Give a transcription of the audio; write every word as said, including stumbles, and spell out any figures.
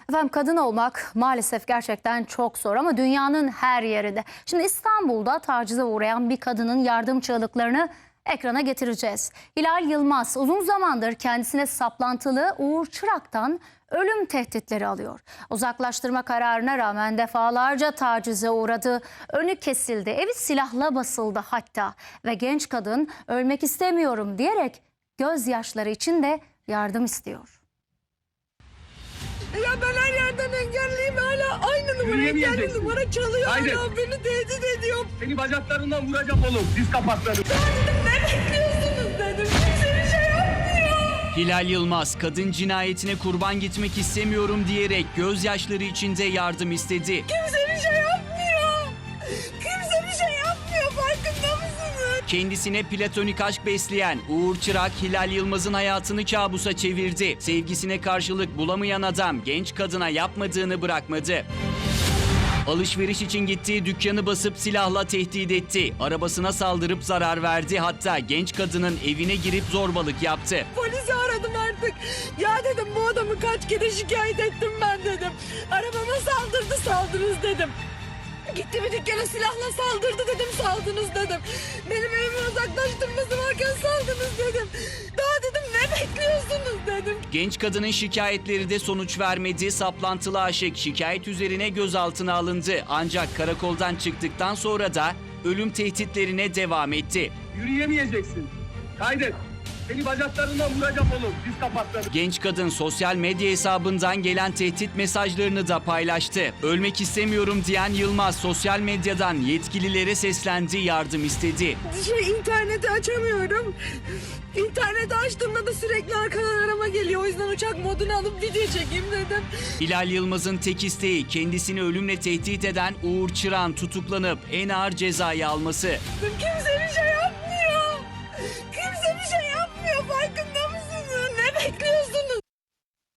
Efendim kadın olmak maalesef gerçekten çok zor ama dünyanın her yerinde. Şimdi İstanbul'da tacize uğrayan bir kadının yardım çığlıklarını ekrana getireceğiz. Hilal Yılmaz uzun zamandır kendisine saplantılı Uğur Çırak'tan ölüm tehditleri alıyor. Uzaklaştırma kararına rağmen defalarca tacize uğradı, önü kesildi, evi silahla basıldı hatta. Ve genç kadın ölmek istemiyorum diyerek gözyaşları içinde yardım istiyor. Ya ben her yerden engelliyim, hala aynı numara, engelli numara çalıyor. Haydi. Hala beni tehdit ediyor. Seni bacaklarından vuracağım oğlum. Diz kapakları. Ben dedim ne bekliyorsunuz dedim. Kimse bir şey yapmıyor. Hilal Yılmaz kadın cinayetine kurban gitmek istemiyorum diyerek gözyaşları içinde yardım istedi. Kimse bir şey yapmıyor. Kimse bir şey yapmıyor, farkında mısınız? Kendisine platonik aşk besleyen Uğur Çırak, Hilal Yılmaz'ın hayatını kabusa çevirdi. Sevgisine karşılık bulamayan adam genç kadına yapmadığını bırakmadı. Alışveriş için gittiği dükkanı basıp silahla tehdit etti. Arabasına saldırıp zarar verdi. Hatta genç kadının evine girip zorbalık yaptı. Polisi aradım artık. Ya dedim bu adamı kaç kere şikayet ettim ben dedim. Arabama saldırdı, saldınız dedim. Gitti bir dükkana silahla saldırdı dedim, saldınız dedim. Benim evimi uzaklaştırması varken saldınız dedim. Daha dedim ne bekliyorsunuz dedim. Genç kadının şikayetleri de sonuç vermedi. Saplantılı aşık şikayet üzerine gözaltına alındı. Ancak karakoldan çıktıktan sonra da ölüm tehditlerine devam etti. Yürüyemeyeceksin. Kaydet. Seni bacaklarından vuracağım oğlum. Diz kapakları. Genç kadın sosyal medya hesabından gelen tehdit mesajlarını da paylaştı. Ölmek istemiyorum diyen Yılmaz sosyal medyadan yetkililere seslendi, yardım istedi. Şey, interneti açamıyorum. İnterneti açtığımda da sürekli arkadan arama geliyor. O yüzden uçak modunu alıp video çekeyim dedim. Hilal Yılmaz'ın tek isteği kendisini ölümle tehdit eden Uğur Çırak'ın tutuklanıp en ağır cezayı alması. Kimse bir şey